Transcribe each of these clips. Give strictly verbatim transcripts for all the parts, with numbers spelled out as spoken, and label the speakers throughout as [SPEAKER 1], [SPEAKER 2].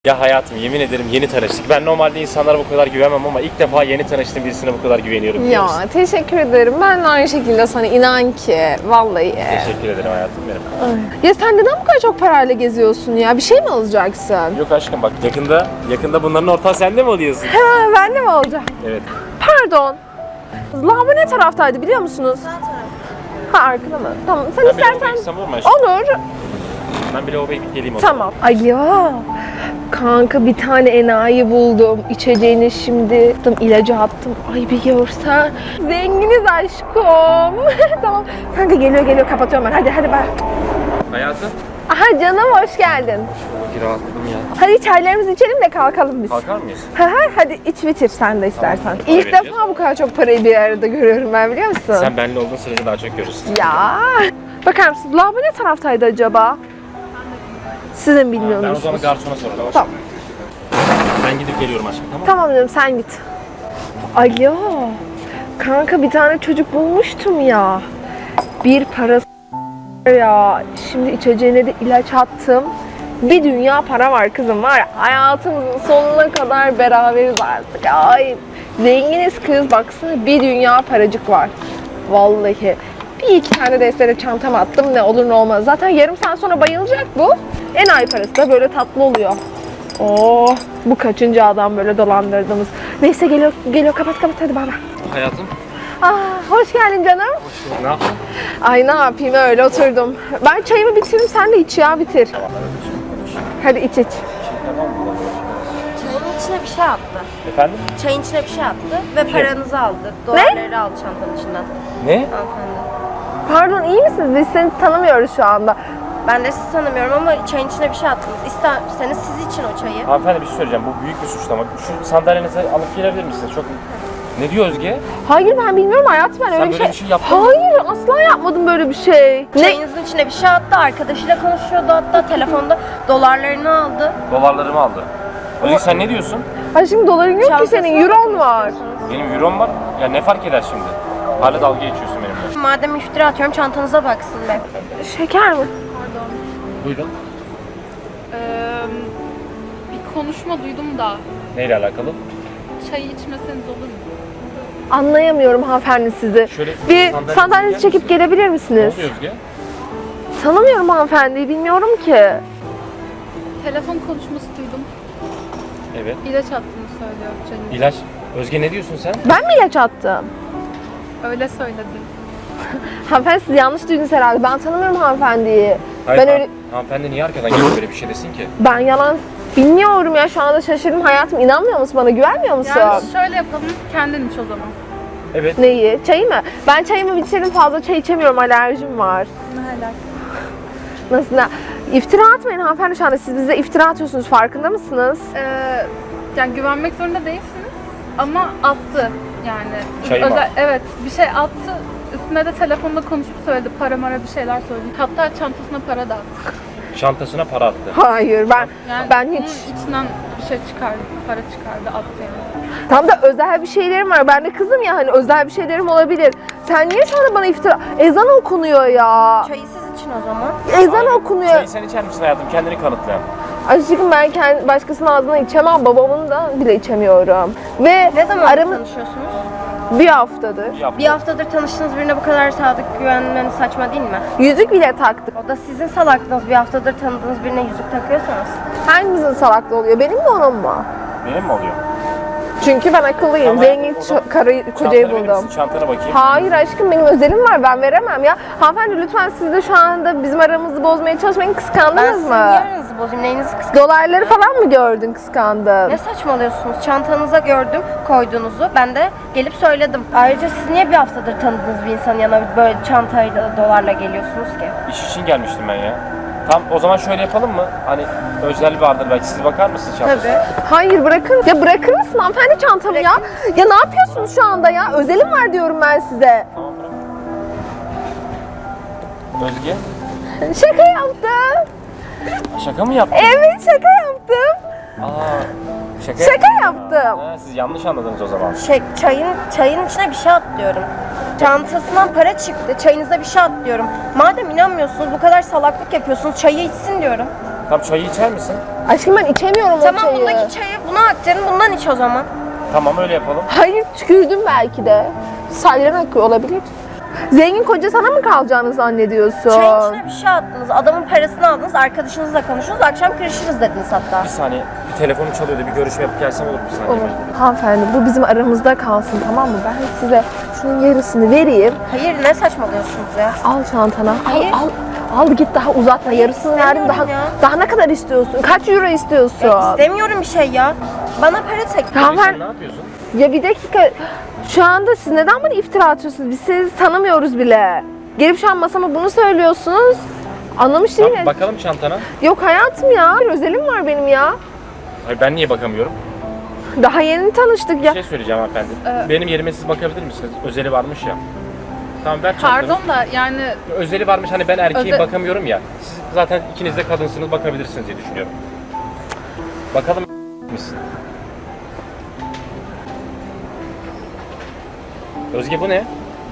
[SPEAKER 1] Ya hayatım, yemin ederim yeni tanıştık. Ben normalde insanlara bu kadar güvenmem ama ilk defa yeni tanıştığım birisine bu kadar güveniyorum.
[SPEAKER 2] Ya teşekkür ederim. Ben de aynı şekilde sana inan ki. Vallahi.
[SPEAKER 1] Teşekkür ederim hayatım benim.
[SPEAKER 2] Ay. Ya sen neden bu kadar çok parayla geziyorsun ya? Bir şey mi alacaksın?
[SPEAKER 1] Yok aşkım bak yakında yakında bunların ortağı sende mi oluyorsun?
[SPEAKER 2] Ha, ben de mi olacağım?
[SPEAKER 1] Evet.
[SPEAKER 2] Pardon. Lavabo ne taraftaydı biliyor musunuz?
[SPEAKER 3] Sağ taraf.
[SPEAKER 2] Ha arkada mı? Tamam. Sen
[SPEAKER 1] Ben bir lavaboya
[SPEAKER 2] istersen...
[SPEAKER 1] gitsem olur mu aşkım?
[SPEAKER 2] Olur.
[SPEAKER 1] Ben bir lavaboya gidip geleyim o zaman.
[SPEAKER 2] Tamam. Alo. Kanka bir tane enayi buldum. İçeceğini şimdi attım, ilacı attım. Ay bir görsen. Zenginiz aşkım. Tamam. Kanka geliyor geliyor kapatıyorum ben. Hadi hadi ben.
[SPEAKER 1] Hayatım.
[SPEAKER 2] Aha canım hoş geldin.
[SPEAKER 1] Şuradaki rahatladım ya.
[SPEAKER 2] Hadi çaylarımızı içelim de kalkalım biz.
[SPEAKER 1] Kalkar mıyız?
[SPEAKER 2] Hı hı, hadi iç bitir sen de istersen.
[SPEAKER 1] Tamam.
[SPEAKER 2] İlk
[SPEAKER 1] Para vereceğiz.
[SPEAKER 2] defa bu kadar çok parayı bir arada görüyorum ben biliyor musun?
[SPEAKER 1] Sen benimle olduğun sürece daha çok görürsün.
[SPEAKER 2] Ya. Bakar mısın? Lavabo ne taraftaydı acaba? Sizin
[SPEAKER 1] Ben
[SPEAKER 2] bilmiyor
[SPEAKER 1] o zaman
[SPEAKER 2] musunuz?
[SPEAKER 1] garsona soralım.
[SPEAKER 2] Tamam.
[SPEAKER 1] Ben gidip geliyorum aşkım, tamam mı?
[SPEAKER 2] Tamam canım sen git. Alo. Kanka bir tane çocuk bulmuştum ya. Bir parası ya. Şimdi içeceğine de ilaç attım. Bir dünya para var kızım var ya. Hayatımızın sonuna kadar beraberiz artık. Ay zenginiz kız baksana bir dünya paracık var. Vallahi. Bir iki tane de estere çantama attım ne olur ne olmaz. Zaten yarım saat sonra bayılacak bu. En ay parası da böyle tatlı oluyor. Oo, bu kaçıncı adam böyle dolandırdığımız. Neyse geliyor, geliyor kapat kapat hadi bay bay.
[SPEAKER 1] Hayatım.
[SPEAKER 2] Ah, hoş geldin canım.
[SPEAKER 1] Ne yaptın?
[SPEAKER 2] Ay ne yapayım öyle oturdum. Ben çayımı bitireyim sen de iç ya bitir. Hadi iç iç.
[SPEAKER 3] Çayın içine bir şey attı.
[SPEAKER 1] Efendim?
[SPEAKER 3] Çayın içine bir şey attı ve
[SPEAKER 1] Kim?
[SPEAKER 3] paranızı aldı. Dolarları aldı çantanın içinden.
[SPEAKER 1] Ne?
[SPEAKER 3] Hanımefendi.
[SPEAKER 2] Pardon iyi misiniz? Biz seni tanımıyoruz şu anda.
[SPEAKER 3] Ben de sizi tanımıyorum ama çayın içine bir şey attınız. İsterseniz siz için o çayı.
[SPEAKER 1] Hanımefendi bir şey söyleyeceğim. Bu büyük bir suçlama. Şu sandalyenizi alıp gelebilir misiniz? Çok... Ne diyor Özge?
[SPEAKER 2] Hayır ben bilmiyorum hayatım ben öyle
[SPEAKER 1] Sen
[SPEAKER 2] bir
[SPEAKER 1] böyle
[SPEAKER 2] şey...
[SPEAKER 1] bir şey yaptın mı?
[SPEAKER 2] Hayır asla yapmadım böyle bir şey. Ne?
[SPEAKER 3] Çayınızın içine bir şey attı. Arkadaşıyla konuşuyordu hatta telefonda. Dolarlarını aldı.
[SPEAKER 1] Dolarlarımı aldı. Özge sen ne diyorsun?
[SPEAKER 2] Ay şimdi doların yok ki
[SPEAKER 3] Çantasına
[SPEAKER 2] senin euron var.
[SPEAKER 3] istiyorsanız.
[SPEAKER 1] Benim eurom var. Ya ne fark eder şimdi? Hala dalga geçiyorsun benimle.
[SPEAKER 3] Madem iftira atıyorum çantanıza baksın be.
[SPEAKER 2] Şeker mi?
[SPEAKER 1] Buyurun.
[SPEAKER 4] Ee, bir konuşma duydum da
[SPEAKER 1] Neyle alakalı?
[SPEAKER 4] çayı içmeseniz olur mu?
[SPEAKER 2] Anlayamıyorum hanımefendi sizi.
[SPEAKER 1] Şöyle
[SPEAKER 2] Bir
[SPEAKER 1] sandalyenizi
[SPEAKER 2] sandalyenizi
[SPEAKER 1] yer
[SPEAKER 2] çekip
[SPEAKER 1] misin?
[SPEAKER 2] gelebilir
[SPEAKER 1] Ne
[SPEAKER 2] misiniz?
[SPEAKER 1] oluyor Özge?
[SPEAKER 2] Tanımıyorum hanımefendiyi bilmiyorum ki.
[SPEAKER 4] Telefon konuşması duydum.
[SPEAKER 1] Evet.
[SPEAKER 4] İlaç attığını söylüyor çayınıza.
[SPEAKER 1] İlaç. Özge ne diyorsun sen?
[SPEAKER 2] Ben mi ilaç attım?
[SPEAKER 4] Öyle söyledi.
[SPEAKER 2] Hanımefendi siz yanlış duydunuz herhalde. Ben tanımıyorum hanımefendiyi.
[SPEAKER 1] Hayır,
[SPEAKER 2] ben
[SPEAKER 1] han-
[SPEAKER 2] öyle
[SPEAKER 1] Hanımefendi niye arkadan gelip böyle bir şey desin ki?
[SPEAKER 2] ben yalan bilmiyorum ya şu anda şaşırdım hayatım. İnanmıyor musun bana? Güvenmiyor musun?
[SPEAKER 4] Yani şöyle yapalım, kendin iç o zaman.
[SPEAKER 1] Evet.
[SPEAKER 2] Neyi? Çayı mı? Ben çayımı bitirdim fazla çay içemiyorum. Alerjim var.
[SPEAKER 4] Ne helal.
[SPEAKER 2] Nasıl? Ne? İftira atmayın hanımefendi şu anda. Siz bize iftira atıyorsunuz. Farkında mısınız?
[SPEAKER 4] Ee, yani güvenmek zorunda değilsiniz ama attı yani.
[SPEAKER 1] Çayı mı attı?
[SPEAKER 4] Evet, bir şey attı. Üstüne de telefonda konuşup söyledi. Para mara bir şeyler söyledi. Hatta çantasına para da attı.
[SPEAKER 1] Çantasına para attı.
[SPEAKER 2] Hayır ben
[SPEAKER 4] Yani
[SPEAKER 2] ben
[SPEAKER 4] bunun
[SPEAKER 2] hiç
[SPEAKER 4] içinden bir şey çıkardı, para çıkardı, attı yani.
[SPEAKER 2] tam da özel bir şeylerim var. Ben de kızım ya hani özel bir şeylerim olabilir. Sen niye şu anda bana iftira... Ezan okunuyor ya.
[SPEAKER 3] Çayı siz için o zaman.
[SPEAKER 2] Ezan
[SPEAKER 1] Aynen.
[SPEAKER 2] okunuyor.
[SPEAKER 1] Çayı sen içer misin hayatım? Kendini kanıtlayan.
[SPEAKER 2] Aşkım ben kendi başkasının ağzından içemem. Babamın da bile içemiyorum. Ve
[SPEAKER 3] Ne zaman
[SPEAKER 2] aramız
[SPEAKER 3] tanışıyorsunuz?
[SPEAKER 2] bir haftadır.
[SPEAKER 1] Bir hafta.
[SPEAKER 3] Bir haftadır tanıştığınız birine bu kadar sadık güvenmeniz saçma değil mi?
[SPEAKER 2] Yüzük bile taktık.
[SPEAKER 3] O da sizin salaklığınız. Bir haftadır tanıdığınız birine yüzük takıyorsanız.
[SPEAKER 2] Hangimizin salaklığı oluyor? Benim mi onun mu?
[SPEAKER 1] Benim mi oluyor?
[SPEAKER 2] Çünkü ben akıllıyım.
[SPEAKER 1] Tamam,
[SPEAKER 2] Zengin
[SPEAKER 1] o zaman
[SPEAKER 2] ço- karı, kocayı
[SPEAKER 1] Çantanı verir
[SPEAKER 2] buldum.
[SPEAKER 1] misin? Çantana bakayım.
[SPEAKER 2] Hayır aşkım benim özelim var ben veremem ya. Hanımefendi lütfen siz de şu anda bizim aramızı bozmaya çalışmayın
[SPEAKER 3] Ben
[SPEAKER 2] kıskandınız
[SPEAKER 3] sizin
[SPEAKER 2] mı?
[SPEAKER 3] yarınızı bozayım. Neyinizi kıskanıyorsunuz?
[SPEAKER 2] Dolarları falan mı gördün kıskandın?
[SPEAKER 3] Ne saçmalıyorsunuz? Çantanıza gördüm koyduğunuzu. Ben de gelip söyledim. Ayrıca siz niye bir haftadır tanıdığınız bir insanın yanına böyle çantayla, dolarla geliyorsunuz ki?
[SPEAKER 1] İş için gelmiştim ben ya. Tam o zaman şöyle yapalım mı? Hani özel vardır belki. Siz bakar mısınız çantasına?
[SPEAKER 3] Tabii.
[SPEAKER 2] Hayır bırakın. Ya bırakır mısın hanımefendi çantamı ya? Ya ne yapıyorsunuz şu anda ya? Özelim var diyorum ben size.
[SPEAKER 1] Tamam bırak. Özge,
[SPEAKER 2] Şaka yaptım.
[SPEAKER 1] şaka mı yaptın?
[SPEAKER 2] Evet şaka yaptım.
[SPEAKER 1] Aa, şaka,
[SPEAKER 2] Şaka
[SPEAKER 1] yaptın.
[SPEAKER 2] yaptım.
[SPEAKER 1] Ha, siz yanlış anladınız o zaman.
[SPEAKER 3] Şey, çayın, çayın içine bir şey at diyorum. Çantasından para çıktı. Çayınıza bir şey at diyorum. Madem inanmıyorsunuz bu kadar salaklık yapıyorsunuz çayı içsin diyorum.
[SPEAKER 1] Tam çayı içer misin?
[SPEAKER 2] Aşkım ben içemiyorum o
[SPEAKER 3] Tamam
[SPEAKER 2] çayı.
[SPEAKER 3] bundaki çayı buna aktarın, bundan iç o zaman.
[SPEAKER 1] Tamam öyle yapalım.
[SPEAKER 2] Hayır tükürdüm belki de. Salyan akıyor olabilir. Zengin koca sana mı kalacağını zannediyorsun?
[SPEAKER 3] Çayın içine bir şey attınız, adamın parasını aldınız, arkadaşınızla konuştunuz, akşam kırışırız dediniz hatta.
[SPEAKER 1] Bir saniye. Bir telefonum çalıyordu. Bir görüşme yapıp gelsem olur mu bir saniye?
[SPEAKER 2] Olur. Hanımefendi bu bizim aramızda kalsın tamam mı? Ben size şunun yarısını vereyim.
[SPEAKER 3] Hayır, ne saçmalıyorsunuz ya?
[SPEAKER 2] Al çantana. Al
[SPEAKER 3] Hayır.
[SPEAKER 2] al. Al git daha uzatma. Yarısını verdim daha.
[SPEAKER 3] ya.
[SPEAKER 2] Daha ne kadar istiyorsun? Kaç euro istiyorsun?
[SPEAKER 3] E, istemiyorum bir şey ya. Bana para teklif.
[SPEAKER 2] Tamam
[SPEAKER 1] Sen
[SPEAKER 2] ben...
[SPEAKER 1] ne yapıyorsun?
[SPEAKER 2] Ya bir dakika. Şu anda siz neden bana iftira atıyorsunuz? Biz sizi tanımıyoruz bile. Gelip şu an masama bunu söylüyorsunuz. Anlamış değilim.
[SPEAKER 1] Tamam, bakalım çantana.
[SPEAKER 2] Yok hayatım ya. Bir özelim var benim ya.
[SPEAKER 1] Hayır, ben niye bakamıyorum?
[SPEAKER 2] Daha yeni tanıştık
[SPEAKER 1] Bir
[SPEAKER 2] ya.
[SPEAKER 1] şey söyleyeceğim hanımefendi. Benim yerime siz bakabilir misiniz? Özeli varmış ya. Tamam ver çantanı.
[SPEAKER 4] Pardon da yani
[SPEAKER 1] Özeli varmış, hani ben erkeğe
[SPEAKER 4] Öze-
[SPEAKER 1] bakamıyorum ya. Siz zaten ikiniz de kadınsınız, bakabilirsiniz diye düşünüyorum. Bakalım misin? Özge bu ne?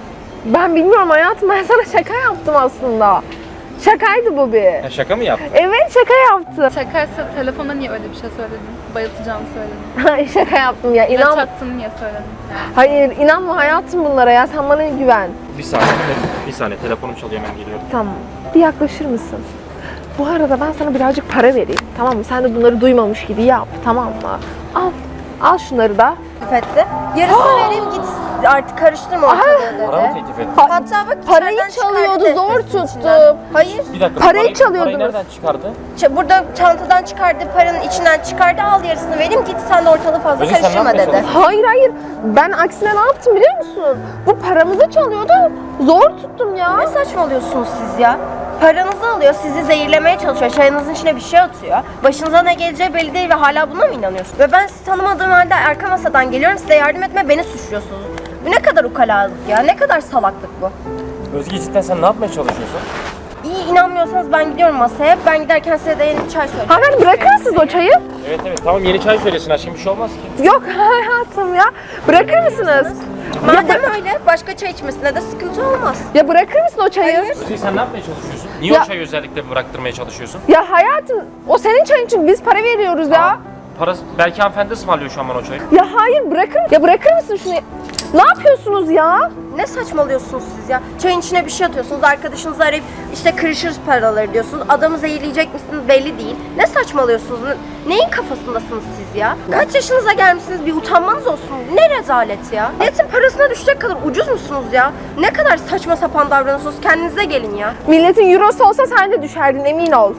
[SPEAKER 2] Ben bilmiyorum hayatım. Ben sana şaka yaptım aslında. Şakaydı bu bir.
[SPEAKER 1] Ya şaka mı yaptın?
[SPEAKER 2] Evet şaka yaptım.
[SPEAKER 4] şakaysa telefonda niye öyle bir şey söyledin? Bayıltacağımı söyledin.
[SPEAKER 2] Hayır şaka yaptım ya.
[SPEAKER 4] İlaç
[SPEAKER 2] İnan.
[SPEAKER 4] attın niye söyledin? Yani.
[SPEAKER 2] Hayır inanma hayatım bunlara ya. Sen bana güven.
[SPEAKER 1] Bir saniye, bir saniye. Telefonum çalıyor, hemen geliyorum.
[SPEAKER 2] Tamam. Bir yaklaşır mısın? Bu arada ben sana birazcık para vereyim. Tamam mı? Sen de bunları duymamış gibi yap. Tamam mı? Al. Al şunları da.
[SPEAKER 3] Teklif etti. Yarısını vereyim git. Artık karıştırma ortalığı
[SPEAKER 1] Para mı
[SPEAKER 3] dedi.
[SPEAKER 1] teklif ettin?
[SPEAKER 2] Pa-
[SPEAKER 3] Hatta bak
[SPEAKER 2] Parayı
[SPEAKER 3] içeriden
[SPEAKER 2] çalıyordu,
[SPEAKER 3] çıkardı
[SPEAKER 2] zor
[SPEAKER 3] defterin
[SPEAKER 2] tuttum.
[SPEAKER 3] içinden. Hayır.
[SPEAKER 1] Bir dakika.
[SPEAKER 2] Parayı
[SPEAKER 1] Parayı
[SPEAKER 2] çalıyordunuz.
[SPEAKER 1] nereden çıkardı?
[SPEAKER 3] Ç- Burada çantadan çıkardı, paranın içinden çıkardı, al yarısını vereyim git sen de ortalığı fazla
[SPEAKER 1] Özge, sen ne
[SPEAKER 3] karıştırma
[SPEAKER 1] yapmaya
[SPEAKER 3] dedi.
[SPEAKER 1] çalışıyorsun?
[SPEAKER 2] Hayır hayır. Ben aksine ne yaptım biliyor musun? Bu paramızı çalıyordu. Zor tuttum ya.
[SPEAKER 3] Ne saçmalıyorsunuz siz ya? Paranızı alıyor, sizi zehirlemeye çalışıyor, çayınızın içine bir şey atıyor. Başınıza ne geleceği belli değil ve hala buna mı inanıyorsunuz? Ve ben sizi tanımadığım halde arka masadan geliyorum, size yardım etme, beni suçluyorsunuz. Bu ne kadar ukalalık ya, ne kadar salaklık bu.
[SPEAKER 1] Özge cidden sen ne yapmaya çalışıyorsun?
[SPEAKER 3] İyi inanmıyorsanız ben gidiyorum masaya, ben giderken size de yeni bir çay söyleyeceğim.
[SPEAKER 2] Hanımefendi bırakır mısınız o çayı?
[SPEAKER 1] Evet evet, tamam yeni çay söylesin aşkım, bir şey olmaz ki.
[SPEAKER 2] Yok hayatım ya. Bırakır mısınız?
[SPEAKER 3] Madem öyle, başka çay içmesine de sıkıntı olmaz.
[SPEAKER 2] Ya bırakır mısın o çayı?
[SPEAKER 3] Hayır.
[SPEAKER 1] Özge sen ne yapmaya çalışıyorsun? Niye
[SPEAKER 2] Ya-
[SPEAKER 1] o çayı özellikle bıraktırmaya çalışıyorsun?
[SPEAKER 2] Ya hayatım o senin çayın çünkü biz para veriyoruz ya.
[SPEAKER 1] Parası, belki hanımefendi ısmarlıyor şu an bana o çayı.
[SPEAKER 2] Ya hayır bırakır. Ya bırakır mısın şunu? Ne yapıyorsunuz ya?
[SPEAKER 3] Ne saçmalıyorsunuz siz ya? Çayın içine bir şey atıyorsunuz, arkadaşınızı arayıp işte kırışırız paraları diyorsunuz. Adamı zehirleyecek misiniz belli değil. Ne saçmalıyorsunuz? Ne- Neyin kafasındasınız siz ya? Kaç yaşınıza gelmişsiniz, bir utanmanız olsun. Ne rezalet ya? Milletin parasına düşecek kadar ucuz musunuz ya? Ne kadar saçma sapan davranıyorsunuz, kendinize gelin ya.
[SPEAKER 2] Milletin eurosu olsa sen de düşerdin emin ol.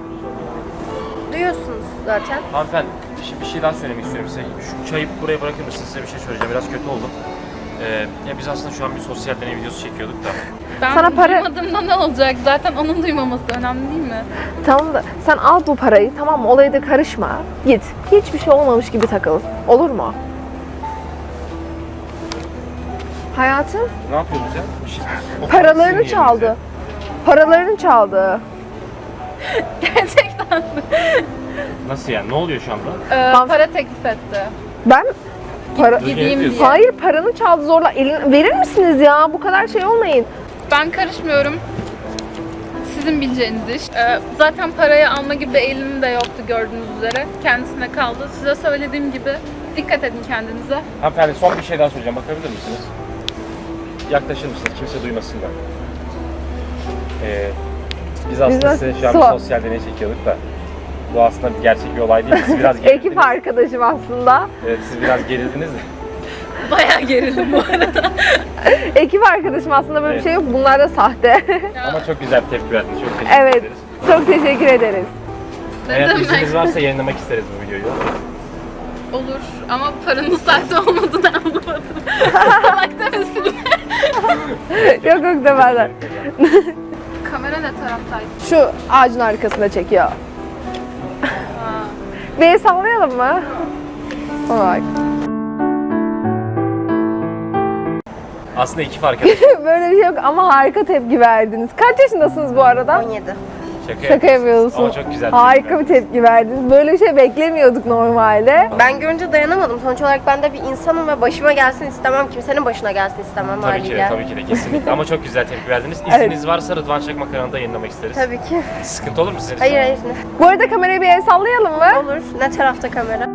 [SPEAKER 3] Duyuyorsunuz zaten.
[SPEAKER 1] Hanımefendi bir şey, bir şey daha söylemek istiyorum size. Şu çayı buraya bırakır mısınız? Size bir şey söyleyeceğim. Biraz kötü oldum. Ee, ya biz aslında şu an bir sosyal deney videosu çekiyorduk da.
[SPEAKER 4] Ben
[SPEAKER 2] Sana para-
[SPEAKER 4] duymadığımda ne olacak? Zaten onun duymaması önemli değil mi?
[SPEAKER 2] Tamam da sen al bu parayı tamam mı? Olaya da karışma. Git. Hiçbir şey olmamış gibi takıl. Olur mu? Hayatım
[SPEAKER 1] Ne yapıyoruz ya? Bir şey, o
[SPEAKER 2] paralarını
[SPEAKER 1] sizin
[SPEAKER 2] çaldı.
[SPEAKER 1] yerinize.
[SPEAKER 2] Paralarını çaldı.
[SPEAKER 4] Gerçekten.
[SPEAKER 1] Nasıl yani? Ne oluyor şu anda?
[SPEAKER 4] Ee,
[SPEAKER 2] Hanf-
[SPEAKER 4] para teklif etti.
[SPEAKER 2] Ben para...
[SPEAKER 1] Özge, ne
[SPEAKER 4] Gideyim
[SPEAKER 1] diyorsun?
[SPEAKER 4] diye.
[SPEAKER 2] Hayır paranı çaldı zorla. Elin... Verir misiniz ya? Bu kadar şey olmayın.
[SPEAKER 4] Ben karışmıyorum. Sizin bileceğiniz iş. Ee, zaten parayı alma gibi bir eğilimim de yoktu gördüğünüz üzere. Kendisine kaldı. Size söylediğim gibi dikkat edin kendinize.
[SPEAKER 1] Hanımefendi son bir şey daha söyleyeceğim. Bakabilir misiniz? Yaklaşır mısınız? Kimse duymasın da. Ee, biz aslında
[SPEAKER 2] Biz
[SPEAKER 1] size şu an
[SPEAKER 2] so-
[SPEAKER 1] bir sosyal deney çekiyorduk da. Bu aslında bir gerçek bir olay değil. Siz biraz gerildiniz.
[SPEAKER 2] Ekip arkadaşım aslında.
[SPEAKER 1] Evet, siz biraz gerildiniz de.
[SPEAKER 4] Bayağı gerildim bu arada.
[SPEAKER 2] Ekip arkadaşım aslında böyle bir şey yok. Bunlar da sahte.
[SPEAKER 1] Ama çok güzel bir tepki verdiniz. Çok teşekkür
[SPEAKER 2] Evet.
[SPEAKER 1] ederiz.
[SPEAKER 2] Çok teşekkür ederiz.
[SPEAKER 4] Ne
[SPEAKER 1] Eğer
[SPEAKER 4] demek?
[SPEAKER 1] izniniz varsa yayınlamak isteriz bu videoyu.
[SPEAKER 4] Olur ama paranın sahte olmadığını anlamadım. Salak demesin.
[SPEAKER 2] Yok yok demeden.
[SPEAKER 4] Kamera ne taraftaydı?
[SPEAKER 2] Şu ağacın arkasında çekiyor.
[SPEAKER 4] Ha.
[SPEAKER 2] Bir el sallayalım mı? Bak.
[SPEAKER 1] Aslında ekip arkadaş.
[SPEAKER 2] Böyle bir şey yok ama harika tepki verdiniz. Kaç yaşındasınız bu arada?
[SPEAKER 3] on yedi.
[SPEAKER 1] Şaka,
[SPEAKER 2] Şaka yapıyorsun.
[SPEAKER 1] Ama çok güzel.
[SPEAKER 2] Harika bir tepki verdiniz. Böyle bir şey beklemiyorduk normalde.
[SPEAKER 3] Ben görünce dayanamadım. Sonuç olarak ben de bir insanım ve başıma gelsin istemem. Kimsenin başına gelsin istemem
[SPEAKER 1] Tabii ki de,
[SPEAKER 3] haliyle.
[SPEAKER 1] tabii ki de kesinlikle. Ama çok güzel tepki verdiniz. İzniniz varsa Rıdvan Çakmak kanalında yayınlamak isteriz.
[SPEAKER 3] Tabii ki.
[SPEAKER 1] Sıkıntı olur mu sizin için?
[SPEAKER 3] Hayır hayır.
[SPEAKER 2] Bu arada kamerayı bir el sallayalım mı?
[SPEAKER 3] Olur. Ne tarafta kamera?